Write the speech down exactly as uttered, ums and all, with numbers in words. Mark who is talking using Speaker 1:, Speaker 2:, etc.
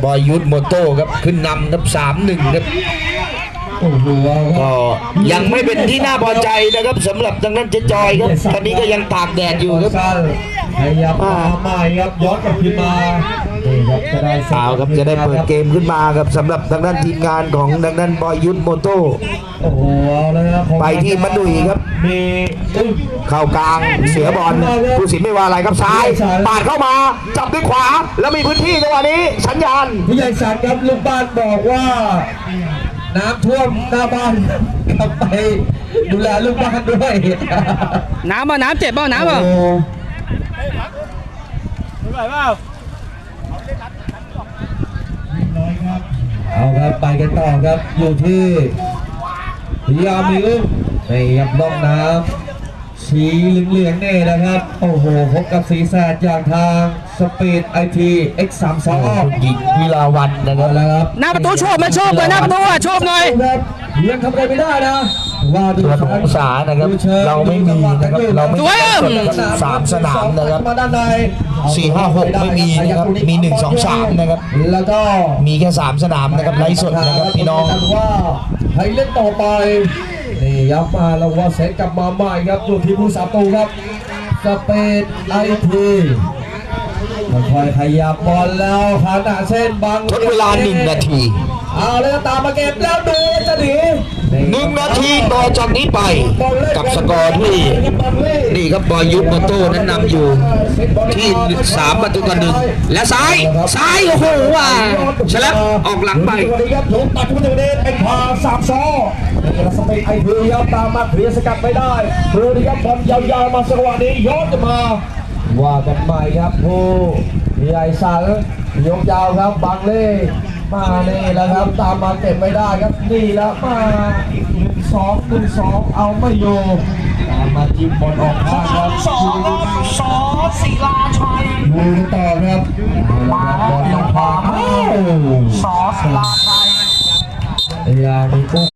Speaker 1: บอยยุทธโมโต้ครับขึ้นนำครับสามหนึ่งครับก็ยังไม่เป็นที่น่าพอใจนะครับสำหรับทางด้านเจ๊จอยครับตอนนี้ก็ยังตากแดดอยู่ครับ
Speaker 2: พยายามมาใหม่ครับย้อนกลับขึ้นมาจะได้
Speaker 1: สาวครับจะได้เปิดเกมขึ้นมาครับสำหรับทางด้านทีมงานของทางด้านบอยยุทธโมโต้
Speaker 2: โอ้โหเลยครับ
Speaker 1: ไปที่มัดดุยครับ
Speaker 2: มี
Speaker 1: เข้ากลางเสียบอลผู้สินไม่ว่าอะไรครับซ้ายปาดเข้ามาจับด้วยขวาแล้วมีพื้นที่จังหวะนี้สัญญาณ
Speaker 2: ผู้ใหญ่สันครับลูกบ้านบอกว่าน้ำท่วมหน้าบ้านกลับไปดูแลลูกบ้านด้วย
Speaker 3: น้ำป่ะน้ำเจ็บป่ะน้ำป่ะ
Speaker 2: เอาครับไปกันต่อครับอยู่ที่พิยามิวในยับล่องน้ำสีเหลืองๆนี่นะครับโอ้โหพบกับสีแสดอย่างทางสปีดไอทีเอ็กซ์สามสอง
Speaker 1: หญิงวิลาวันนะครับ
Speaker 3: หน้าประตูโชคมาโชคเลยหน้าประตูอ่ะโชคหน่อย
Speaker 2: ยังทำอะไรไม่ได้นะว่าดู
Speaker 1: องศานะครับเราไม่มีนะครับเราไม่มีสามสนามนะครับสี่ห้าหกไม่มีนะครับมีหนึ่งสองสามนะครับ
Speaker 2: แล้วก็
Speaker 1: มีแค่สามสนามนะครับไร้สดนะครับพี่น้อง
Speaker 2: ว่าให้เล่นต่อไปนี่ยับมาแล้วว่าเซตกลับมาใหม่ครับอยู่ที่ผู้สาตูครับสเปดไอทีค่อยๆขยับบอลแล้วขนาดเส้นบาง
Speaker 1: ทดเวลาหนึ่งนาที
Speaker 2: เอาเลยตามมาเก็บแล้วดูจะหนี
Speaker 1: หนึ่งนาทีต่อจากนี้ไปกับสกอร์ที่นี่ครับบอยยุทธโมโต้นั้นนำอยู่ที่สามประตูต่อหนึ่งและซ้ายซ้ายโอ้โหว่าฉลับออกหลังไป
Speaker 2: ถูกตัดขึ้นมาจากนี้เป็นพาสามซอนี่สเปนไอพียับตามมาเคลียร์สกัดไม่ได้เรือยับบอลยาวๆมาสักวันนี้ย้อนมาว่ากันใหม่ครับผู้ใหญ่สันยกยาวครับบางเล่มานี่แล้วครับตามมาเก็บไม่ได้ครับนี่แล้วมาหนึ่งสองหนึ่งสองเอาไม่อยู่ตามมาจิ้มบอลออกข้างครับ
Speaker 3: สองสองศิลาชัย
Speaker 2: ดูต่อครับบอลยังพา
Speaker 3: สองศิลาชัย
Speaker 2: อย่างมี